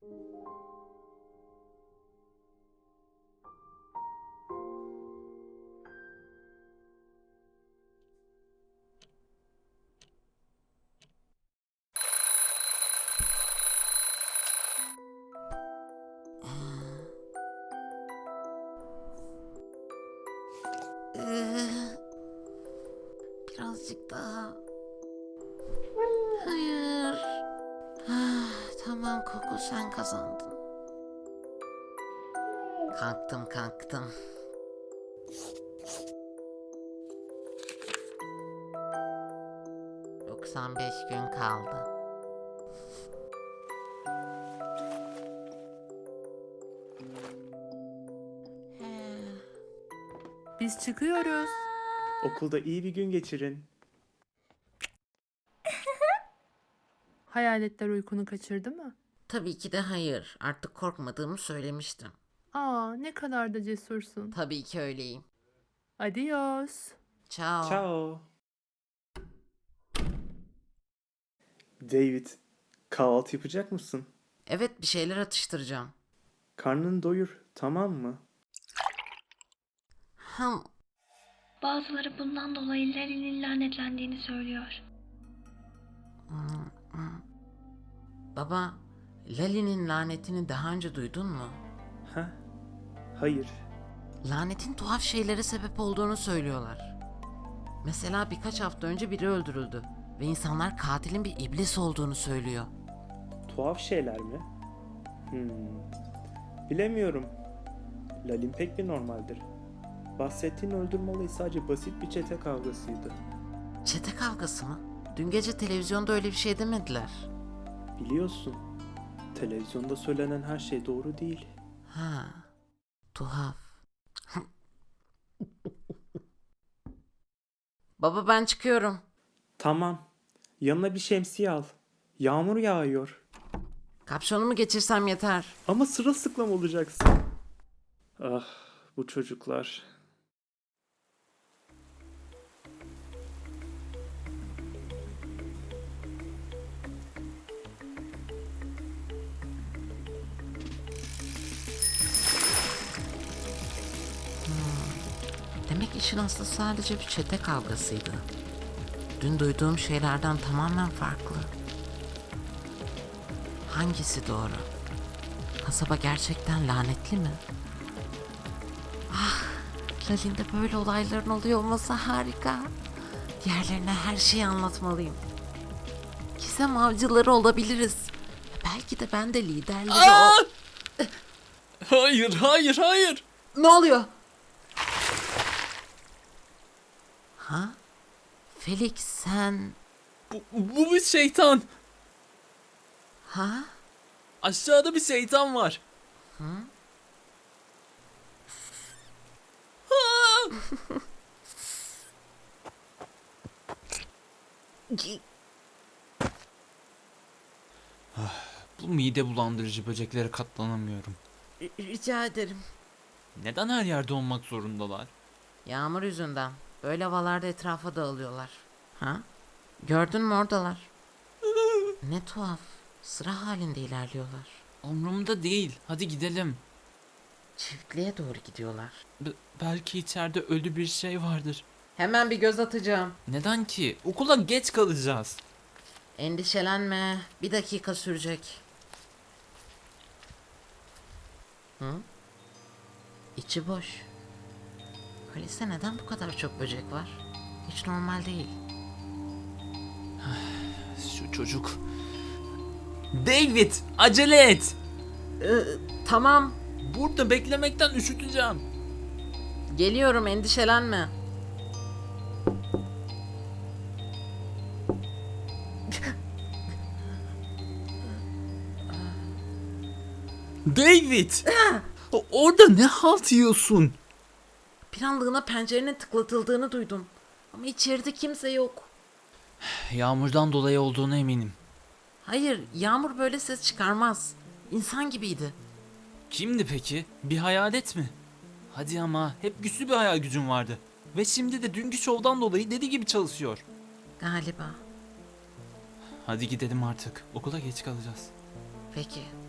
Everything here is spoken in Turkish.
Birazcık daha. Hayır. Tamam Koko, sen kazandın. Kalktım. 95 gün kaldı. Biz çıkıyoruz. Okulda iyi bir gün geçirin. Hayaletler uykunu kaçırdı mı? Tabii ki de hayır. Artık korkmadığımı söylemiştim. Aa, ne kadar da cesursun. Tabii ki öyleyim. Adios. Ciao. Ciao. David, kahvaltı yapacak mısın? Evet, bir şeyler atıştıracağım. Karnını doyur, tamam mı? Ham. Bazıları bundan dolayı Larry'nin lanetlendiğini söylüyor. Baba, Lali'nin lanetini daha önce duydun mu? Ha? Hayır. Lanetin tuhaf şeylere sebep olduğunu söylüyorlar. Mesela birkaç hafta önce biri öldürüldü ve insanlar katilin bir iblis olduğunu söylüyor. Tuhaf şeyler mi? Bilemiyorum. Lalin pek bir normaldir. Bahsettiğin öldürme olayı sadece basit bir çete kavgasıydı. Çete kavgası mı? Dün gece televizyonda öyle bir şey demediler. Biliyorsun, televizyonda söylenen her şey doğru değil. Ha, tuhaf. Baba, ben çıkıyorum. Tamam, yanına bir şemsiye al. Yağmur yağıyor. Kapşonumu geçirsem yeter. Ama sırılsıklam olacaksın. Ah, bu çocuklar. Demek işin aslı sadece bir çete kavgasıydı. Dün duyduğum şeylerden tamamen farklı. Hangisi doğru? Kasaba gerçekten lanetli mi? Ah, Lalin'de böyle olayların oluyor olması harika. Diğerlerine her şeyi anlatmalıyım. Gizem avcıları olabiliriz. Belki de ben de liderleri Hayır. Ne oluyor? Ha? Felix, sen... Bu bir şeytan. Ha? Aşağıda bir şeytan var. Bu mide bulandırıcı böceklere katlanamıyorum. Rica ederim. Neden her yerde olmak zorundalar? Yağmur yüzünden. Böyle havalarda etrafa dağılıyorlar. Ha? Gördün mü, oradalar. Ne tuhaf. Sıra halinde ilerliyorlar. Umrumda değil. Hadi gidelim. Çiftliğe doğru gidiyorlar. Belki içeride ölü bir şey vardır. Hemen bir göz atacağım. Neden ki? Okula geç kalacağız. Endişelenme. Bir dakika sürecek. Hı? İçi boş. Kaliste neden bu kadar çok böcek var? Hiç normal değil. Şu çocuk. David, acele et. Tamam. Burada beklemekten üşüteceğim. Geliyorum, endişelenme. David! Orada ne halt yiyorsun? Bir anlığına pencerenin tıklatıldığını duydum. Ama içeride kimse yok. Yağmurdan dolayı olduğuna eminim. Hayır, Yağmur böyle ses çıkarmaz. İnsan gibiydi. Kimdi peki? Bir hayalet mi? Hadi ama hep güçlü bir hayal gücün vardı. Ve şimdi de dünkü şovdan dolayı deli gibi çalışıyor. Galiba. Hadi gidelim artık. Okula geç kalacağız. Peki.